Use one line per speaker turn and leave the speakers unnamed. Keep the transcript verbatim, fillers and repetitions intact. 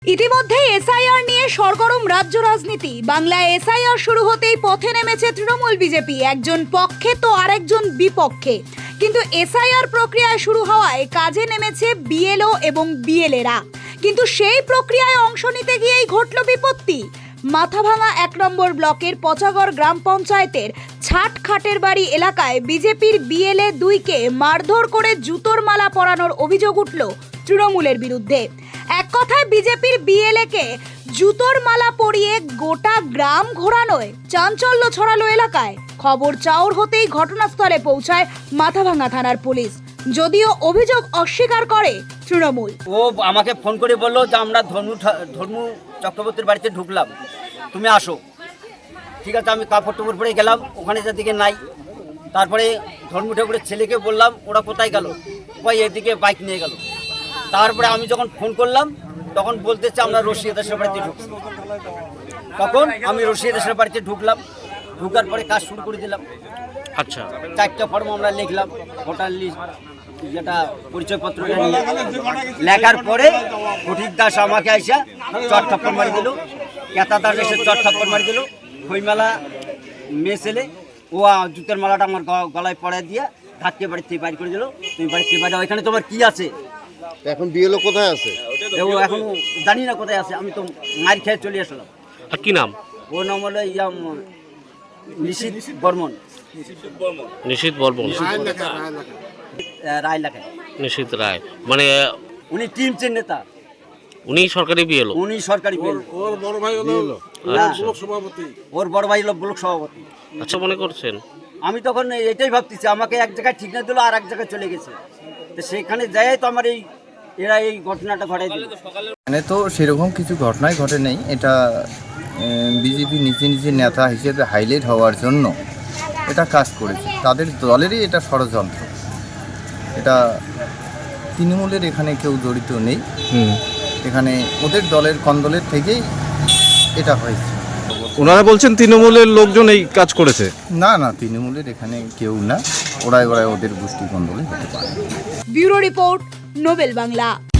ইতিমধ্যে এসআইআর নিয়ে সরগরম রাজ্য রাজনীতি। বাংলায় এসআইআর শুরু হতেই পথে নেমেছে তৃণমূল বিজেপি, একজন পক্ষে তো আরেকজন বিপক্ষে। কিন্তু এসআইআর প্রক্রিয়ায় শুরু হওয়ায় কাজে নেমেছে বিএলও এবং বিএলএরা। কিন্তু সেই প্রক্রিয়ায় অংশ নিতে গিয়েই ঘটল বিপত্তি। মাথাভাঙা এক নম্বর ব্লকের পচাগড় গ্রাম পঞ্চায়েতের ছাট খাটের বাড়ি এলাকায় বিজেপির বিএলএ দুইকে মারধর করে জুতোর মালা পরানোর অভিযোগ উঠল তৃণমূলের বিরুদ্ধে। এক কথায় বিজেপির বিএলএকে জুতোর মালা পরিয়ে গোটা গ্রাম ঘোরানোয় চাঞ্চল্য ছড়ালো এলাকায়। খবর চাউর হতেই ঘটনাস্থলে পৌঁছায় মাথাভাঙা থানার পুলিশ, যদিও অভিযোগ অস্বীকার করে তৃণমূল।
ও আমাকে ফোন করে বললো যে আমরা ধর্মু ধর্মু চক্রবর্তীর বাড়িতে ঢুকলাম, তুমি আসো। ঠিক আছে, আমি কাপড় টুপড় পরে গেলাম, ওখানে যাদিকে নাই। তারপরে ধর্মু ঠাকুরের ছেলেকে বললাম ওরা কোথায় গেল, ওই এদিকে বাইক নিয়ে গেল। তারপরে আমি যখন ফোন করলাম তখন বলতেছে আমরা রশিয়া দেশের বাড়িতে ঢুকছি। তখন আমি রশিয়া দেশের বাড়িতে ঢুকলাম, ঢুকার পরে কাজ শুরু করে দিলাম।
আচ্ছা,
চারটা ফর্ম আমরা লিখলাম, ভোটার লিস্ট যেটা পরিচয়পত্রটা নিয়ে লেখার পরে ফটিক দাস আমাকে আইসা চট থাপ্পড় মারি দিল, কেতা দাস এসে চট থাপ্পড় মারি দিল। খইমালা মেয়ে ছেলে ও জুতের মালাটা আমার গলায় পড়ায় দিয়ে ধাক্কে বাড়িতে বাইর করে দিল, তুমি বাড়িতে বাইরে ওইখানে তোমার কি আছে?
এখন বিএলও কোথায় আছে?
ও এখন জানি না কোথায় আছে, আমি তো মার খেয়ে চলে আসলাম।
আর কি নাম?
ও নাম হলো ইয়া নিশীথ বর্মন।
নিশীথ বর্মন,
রায় লেখায়
নিশীথ রায়, মানে
উনি টিমচের নেতা,
উনি সরকারি বিএলও।
উনি সরকারি বিএলও।
ওর বড় ভাই হলো ব্লক সভাপতি।
ওর বড় ভাই হলো ব্লক সভাপতি।
আচ্ছা, মনে করছেন?
আমি তখন এটাই ভাবতেছি, আমাকে এক জায়গায় ঠিক না দিল, আর এক জায়গায় চলে গেছে। তো সেখানে যাই তো আমার এই এরা এই ঘটনাটা ঘটাই দিল।
মানে তো সেরকম কিছু ঘটনাই ঘটে নেই। এটা বিজেপি নিজে নিজে নেতা হিসেবে হাইলাইট হওয়ার জন্য এটা কাজ করেছে, তাদের দলেরই এটা ষড়যন্ত্র। এটা তৃণমূলের এখানে কেউ জড়িত নেই, এখানে ওদের দলের কন্দলের থেকেই এটা হয়েছে।
ওনারা বলছেন তৃণমূলের লোকজন এই কাজ করেছে।
না না, তৃণমূলের এখানে কেউ না, ওরাই ওরাই ওদের গোষ্ঠী কন্দলে হতে পারে।
Bureau report, Nobel Bangla.